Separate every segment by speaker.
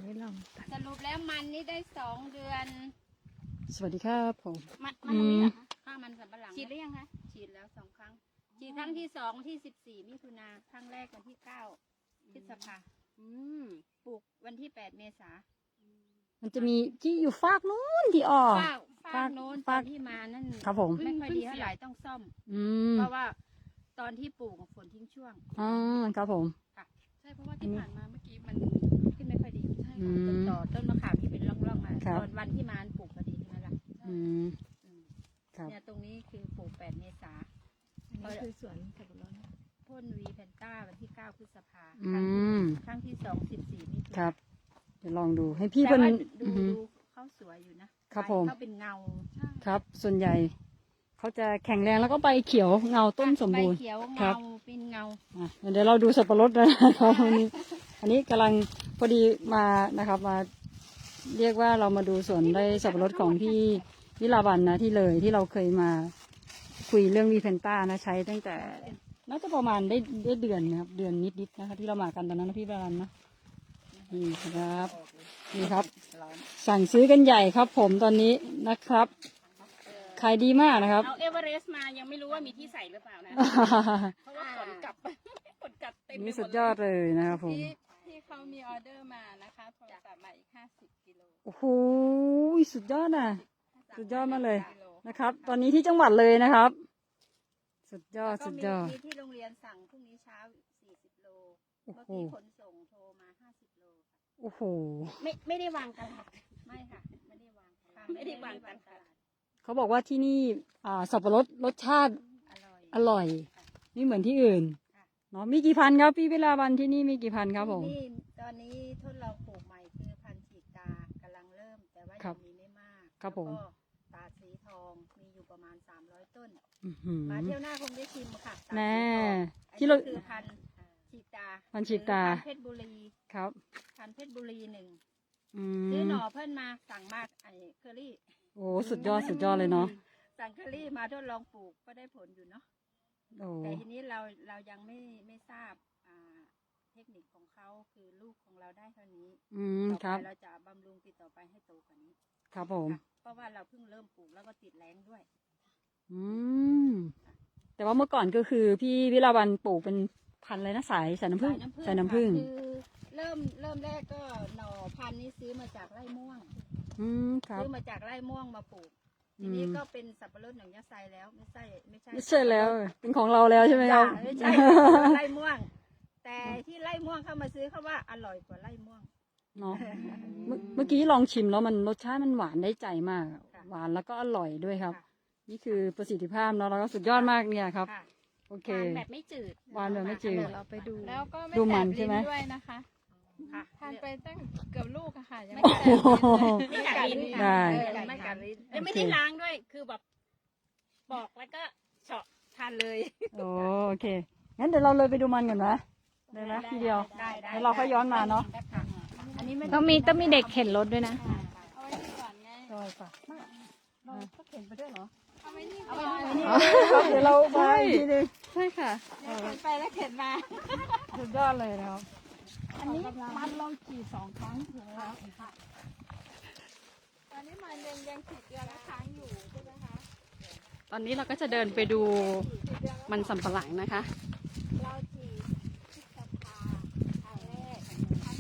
Speaker 1: นี้ลอง
Speaker 2: สรุปแล้วมันนี่ได้2 เดือน
Speaker 3: สวัสดีครับผม
Speaker 2: มันตรงนี้เหรอคะข้าวมันสำปะหลังฉีดหรือยังคะฉีดแล้ว2 ครั้งฉีดครั้งที่2ที่14 มิถุนาครั้งแรกวันที่9 พฤษภาปลูกวันที่8 เมษา
Speaker 3: มันจะมีที่อยู่ฟากนู้นที่ออก
Speaker 2: ฟากโน้นตอนที่มานั่น
Speaker 3: ครับผม
Speaker 2: ไม่ค่อยดีเท่าไหร่ต้องซ่อม เพราะว่าตอนที่ปลูกฝนทิ้งช่วง
Speaker 3: อ๋อครับผม
Speaker 2: ใช่เพราะว่าที่ผ่านมาเมื่อกี้มันขึ้นไม่ค่อยดีใช่ค่ะต้นต่อต้นมะขามที่เป็นร่องๆมาตอนวันที่มาปลูกพอดีใช่ไหมล่ะครับเนี่ยตรงนี้คือปลูก8 เมษาอันนี้คือสวนสับปะรดพ่นวีแพนต้าวันที่9 พฤษภาครั้งที่2 14 มิถุนายน
Speaker 3: ครับเดี๋ยวลองดูให้พี่
Speaker 2: แต่
Speaker 3: เพิ่น
Speaker 2: ว่าดูเขาสวยอยู่นะครับ
Speaker 3: ผม
Speaker 2: เขาเป็นเงา
Speaker 3: ครับส่วนใหญ่เขาจะแข็งแรงแล้วก็ใบเขียวเงาต้นสมบูรณ์
Speaker 2: ใบเขียว
Speaker 3: ครั
Speaker 2: เงา
Speaker 3: บ
Speaker 2: เป็นเงา
Speaker 3: เดี๋ยวเราดูสับปะรดนะครับอันนี้กำลังพอดีมานะครับมาเรียกว่าเรามาดูสวนได้สับปะรดของพี่วิลาวันนะที่เลยที่เราเคยมาคุยเรื่องวีเพนต้านะใช้ตั้งแต่น่าจะประมาณได้เดือนนะครับเดือนนิดๆนะคะที่เรามากันตอนนั้นนะพี่วิลาวันนะนี่ครับนี่ครับสั่งซื้อกันใหญ่ครับผมตอนนี้นะครับขายดีมากนะครับ
Speaker 1: เอาเอเวอเรสต์มายังไม่รู้ว่ามีที่ใส่หรือเปล่านะ เพราะว่าขนกลับขนกลับเต็มไปหม
Speaker 3: นี่
Speaker 1: ด
Speaker 3: สุดยอดเลยนะครับผม
Speaker 1: ที่เขามีออเดอร์มานะคะโทรศัพท์มาอีก50 กิโล
Speaker 3: โอ้โหสุดยอดนะสุดยอดมากเลยนะครับ ตอนนี้ที่จังหวัดเลยนะครับ สุดยอด
Speaker 2: แล้วก็
Speaker 3: สุดยอด
Speaker 2: มีที่โรงเรียนสั่งพรุ่งนี้เช้า40 โล
Speaker 3: โอ้
Speaker 2: เมื่อ
Speaker 3: โห
Speaker 2: กี้ขนส่งโทรมา50 โลค่ะ
Speaker 3: โอ้โห
Speaker 1: ไม่ได้วางตลาด
Speaker 2: ไม่ค่ะ ไม่ได้วางค่ะ
Speaker 1: ไม่ได้วางตลาด
Speaker 3: เขาบอกว่าที่นี่สับปะรดรสชาติ
Speaker 2: อร่อย
Speaker 3: อร่อยไม่เหมือนที่อื่นเนาะมีกี่พันครับพี่เวลาวันที่นี่มีกี่พันครับผม
Speaker 2: ที่นี่ตอนนี้ทดลองปลูกใหม่คือพันธุ์ฉีกตากำลังเริ่ม แต่ว่า
Speaker 3: ครั
Speaker 2: ยั
Speaker 3: บ
Speaker 2: งมีไม่มาก
Speaker 3: ครับผม
Speaker 2: แล้วก็ตาดสีทองมีอยู่ประมาณ300 ต้น
Speaker 3: อื้อหือ
Speaker 2: มาเที่ยวหน้าคงได้ชิมค่ะตาด
Speaker 3: แน่
Speaker 2: สีทอง
Speaker 3: ที่เรา
Speaker 2: อันนี้คือพันธุ์ฉีกตา
Speaker 3: พันธุ์ฉีกตา
Speaker 2: หรือพันธุ์เพชรบุรี
Speaker 3: ครับ
Speaker 2: พันธุ์เพชรบุรี1
Speaker 3: อื
Speaker 2: ซื้อ
Speaker 3: ม
Speaker 2: หน่อเพิ่นมาสั่งมากไอ้เคอรี่
Speaker 3: โอ้สุดยอดสุดยอดเลยเนาะ
Speaker 2: สั่งเคอรี่มาทดลองปลูกก็ได้ผลอยู่เนาะ
Speaker 3: โอ้
Speaker 2: แต่ทีนี้เรายังไม่ทราบเทคนิคของเขาคือลูกของเราได้เท่านี้ ต่อ
Speaker 3: ครับ
Speaker 2: ไปเราจะบำรุงติดต่อไปให้โตกว่านี้
Speaker 3: ครับผม
Speaker 2: ค่ะเพราะว่าเราเพิ่งเริ่มปลูกแล้วก็ติดแรงด้วย
Speaker 3: อืมแต่ว่าเมื่อก่อนก็คือพี่วิลาวันปลูกเป็นพันธุ์อะไรนะสายน้ำผึ้งสายน้ำผึ้ง
Speaker 2: ค่ะคือเริ่มแรกก็หน่อพันธุ์นี้ซื้อมาจากไร่ม่วง
Speaker 3: ครับ
Speaker 2: ซื้อมาจากไร่ม่วงมาปลูก ทีนี้ก็เป็นสับปะรดหนังยะไซแล้วไม่ใช่
Speaker 3: ไม่ใช่แล้วเป็นของเราแล้วใช่ไหมครับ
Speaker 2: ไม่ใช่ ไร่ม่วง แต่ที่ไร่ม่วงเข้ามาซื้อเขาว่าอร่อยกว่าไร่ม่วง
Speaker 3: เนาะเมื่อกี้ลองชิมแล้วมันรสชาติมันหวานได้ใจมาก
Speaker 2: ค่ะ
Speaker 3: หวานแล้วก็อร่อยด้วยครับ
Speaker 2: ค่ะ
Speaker 3: นี่คือประสิทธิภาพเนาะแล้วก็สุดยอดมากเนี่ยครับ
Speaker 2: ค่ะ
Speaker 3: โอเค
Speaker 1: ทานแบบไม่จืด
Speaker 3: หวานแบบไม่จืด
Speaker 1: เดี๋ยวเราไปดู แล้วก็ไม่
Speaker 3: ดู
Speaker 1: แส
Speaker 3: มั
Speaker 1: บ
Speaker 3: นใช่
Speaker 1: ลิ้
Speaker 3: ไหม
Speaker 1: นด้วยนะคะ
Speaker 2: ค่ะ
Speaker 1: ทานไปตั้งเกือบลูกอะค่ะยัง
Speaker 2: ไม่
Speaker 1: ไม่
Speaker 2: กัด
Speaker 1: แสบ
Speaker 2: ลิ้น
Speaker 1: ลิ้นไม่กัดลิ้น
Speaker 3: ได้
Speaker 2: ไม่กัดลิ้น
Speaker 1: ยังไม่ได้ล้างด้วย คือแบบบอกแล้วก็เฉาะทานเลย
Speaker 3: โอเคงั้นเดี๋ยวเราเลยไปดูมันกันนะได้ไหมทีเดียว
Speaker 2: ได้
Speaker 3: แล้วเราค่อยย้อนมาเนาะ
Speaker 2: ค่ะอันนี้ไม่
Speaker 1: ต้องมีเด็กเข็นรถด้วยนะ
Speaker 2: เอาไว้ที่ก่อนไง
Speaker 3: ได้ค่ะ
Speaker 2: เราก็เข็นไปด้วยเหรอ
Speaker 1: เอาไว้นี่
Speaker 2: เอา
Speaker 1: ก่
Speaker 2: ไว้
Speaker 1: อน
Speaker 2: นี่
Speaker 3: ครับเดี๋ยวเรามาอีกทีหนึง
Speaker 1: ใช่ค่ะ
Speaker 2: เข็นไปแล้วเข็นมา
Speaker 3: สุดยอดเลยนะครับ
Speaker 2: อันนี้มันลองขี่2 ครั้งถึงแล้วค่ะ
Speaker 1: ตอนนี้มันยังขีดเดือนละครั้งอยู่ใช่ไหมคะ
Speaker 3: ตอนนี้เราก็จะเดินไปดูมันสำปะหลังนะคะ
Speaker 2: เราขี่พฤษภาครั้งแรกครั้ง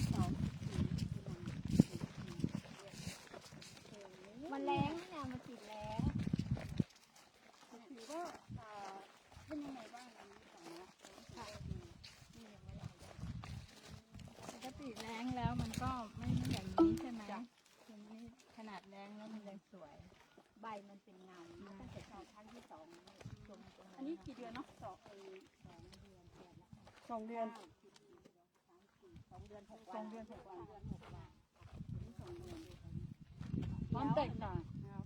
Speaker 2: 2มันแรงนะมันติดแรงถือว่าเป็นยังไงบ้างอันนี้สองนะค่ะนี่ยังไม่ได้
Speaker 1: ปกติแรงแล้วมันก็ไม่อย่างนี้ใช่ไหมอย่างนี้ขนาดแรงแล้วมันยังสวย
Speaker 2: ใบมันเป็นเงาตั้งแต่ครั้งที่2นี่ตรง
Speaker 3: อันนี้กี่เดือนเนาะ
Speaker 2: 2 เดือนเดือน2 เดือน
Speaker 3: 2 เดือน
Speaker 2: 6 วัน2 เดือน
Speaker 3: ความแตกต่างนะครับ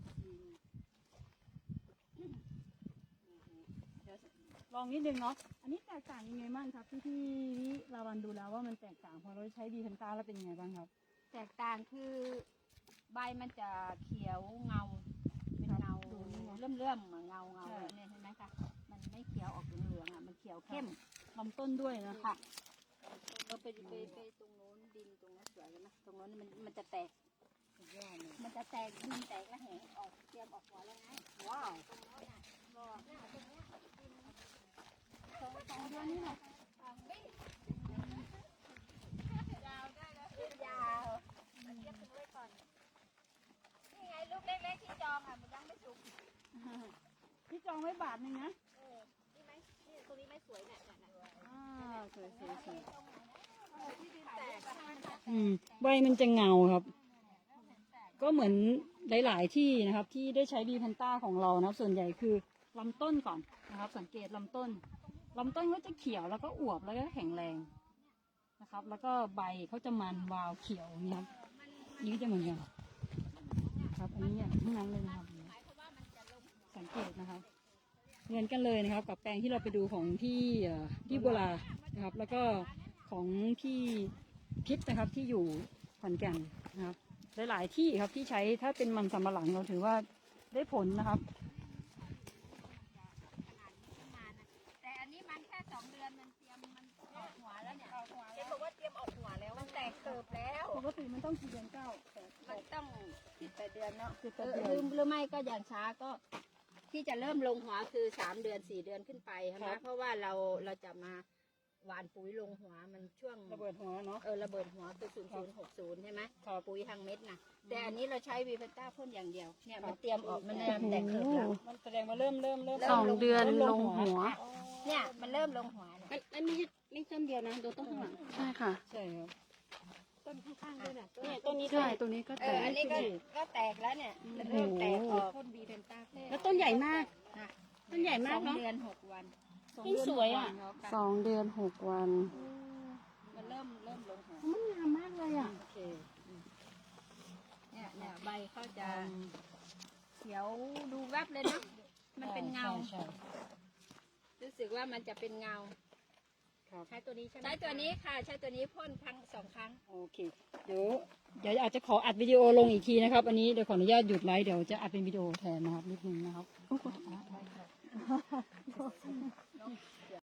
Speaker 3: ลองนิดนึงเนาะอันนี้แตกต่างยังไงบ้างครับที่ลาวันดูแล้วว่ามันแตกต่างพอเราใช้ดีเทนต้าแล้วเป็นยังไงบ้างครับ
Speaker 2: แตกต่างคือใบมันจะเขียวเงาเป็นเงาเลื่อมๆเหมือนเงาเนี่ยเห็นไหมคะมันไม่เขียวออกเหลืองๆอ่ะมันเขียวเข้ม
Speaker 3: ลำต้นด้วยนะ
Speaker 2: ค่ะเราไปตรงโน้นดินตรงนั้นสวยเลยนะตรงรงนั้นมันจะแตกมันจะแตกดินแตกแล้วแหงออกเตรียมออกหัวแล้วไงว้าวตรงโน้นน่ะบอกหน้าตรงเนี้ยสองเดือนนี่แหละยาวได้แล้วยาวมาเทียบกันไว้ก่อนนี่ไงลูกเล็กๆที่จองอ่ะมันยังไม่สุก
Speaker 3: พี่จองไว้บาทนึงนะ
Speaker 2: นี่ไหมนี่ตรงนี้ไม่สวยเนี่ยเนี่ย
Speaker 3: สวยสวยสวย
Speaker 2: แตก
Speaker 3: ใบมันจะเงาครับ ก็เหมือนหลาย ๆ ที่นะครับ ที่ได้ใช้บีพันต้าของเรานะครับ ส่วนใหญ่คือลำต้นก่อนนะครับ สังเกตลำต้นก็จะเขียวแล้วก็อวบแล้วก็แข็งแรงนะครับ แล้วก็ใบเขาจะมันวาวเขียวนี่ครับนี่ก็จะเหมือนกันครับ อันนี้ทั้งนั้นเลยนะครับสังเกตนะครับเหมือนกันเลยนะครับ กับแปลงที่เราไปดูของที่โบราณนะครับ แล้วก็ของพี่พิษนะครับที่อยู่ขอนแก่นนะครับหลาย ๆ ที่ครับที่ใช้ถ้าเป็นมันสำปะหลังเราถือว่าได้ผลนะครับ
Speaker 2: แต่อันนี้มันแค่2 เดือนมันเตรียมมันออกหัวแล้วเนี่ยเห็นบอกว่าเตรียมออกหัวแล้วมันแตกเกิบแล้ว
Speaker 3: ปกติมันต้องกี่เดือนเก้า
Speaker 2: มันต้อง8 เดือนเนาะ
Speaker 3: 8 เดือน
Speaker 2: หรือไม่ก็อย่างช้าก็ที่จะเริ่มลงหัวคือ3 เดือน 4 เดือนขึ้นไปใช่ไหมเพราะว่าเราจะมาหว่านปุ๋ยลงหัวมันช่วง
Speaker 3: ระเบิดหัวเนาะ
Speaker 2: ระเบิดหัวคือ0060ใช่ไหม
Speaker 3: ครับ
Speaker 2: ปุ๋ยทางเม็ดนะแต่อันนี้เราใช้วีเฟต้าพ่นอย่างเดียวเนี่ยมันเตรียมออกมันเริ่มแตกเกิดแล้ว
Speaker 3: มันแสดงว่าเริ่ม
Speaker 2: 2 เดือน
Speaker 3: ลงหัว
Speaker 2: เนี่ยมันเริ่มลงหัวแล้ว
Speaker 4: อันไม่ต้นเดียวนะดูต้นข้างหลัง
Speaker 1: ใช่ค่ะ
Speaker 3: ใช่ครับ
Speaker 2: ต้นข้างๆด้วยนะ
Speaker 4: เนี่ยต้นนี้ด้
Speaker 1: ใช่
Speaker 4: วย
Speaker 1: ตรงนี้ก็
Speaker 2: เอ
Speaker 1: แต
Speaker 2: อก อันนี้ก็แตกแล้วเนี่ยมันเริ่มแตกออกพ่นวีเฟต้า
Speaker 4: แล้วต้นใหญ่มาก ต้นใหญ่มาก
Speaker 2: 2
Speaker 4: เนาะ
Speaker 2: เดือน 6 วัน
Speaker 4: ต้นสวยอ่ะ
Speaker 1: 2 เดือน 6 วัน
Speaker 2: มันเริ่มลงหัว
Speaker 4: มันงามมากเลยอ่ะ
Speaker 2: โอเคเนี่ยใบเขาจะเขียวดูแวบเลยเนาะมันเป็นเงา
Speaker 3: ใช่
Speaker 2: รู้สึกว่ามันจะเป็นเงา
Speaker 3: ครับ
Speaker 2: ใช้ตัวนี้ใช่ไหมใช้ตัวนี้ค่ะ ใช้ตัวนี้พ่น2 ครั้ง
Speaker 3: โอเคเดี๋ยวอาจจะขออัดวิดีโอลงอีกทีนะครับ อันนี้เดี๋ยวขออนุญาตหยุดไลฟ์เดี๋ยวจะอัดเป็นวิดีโอแทนนะครับนิดนึงนะครับ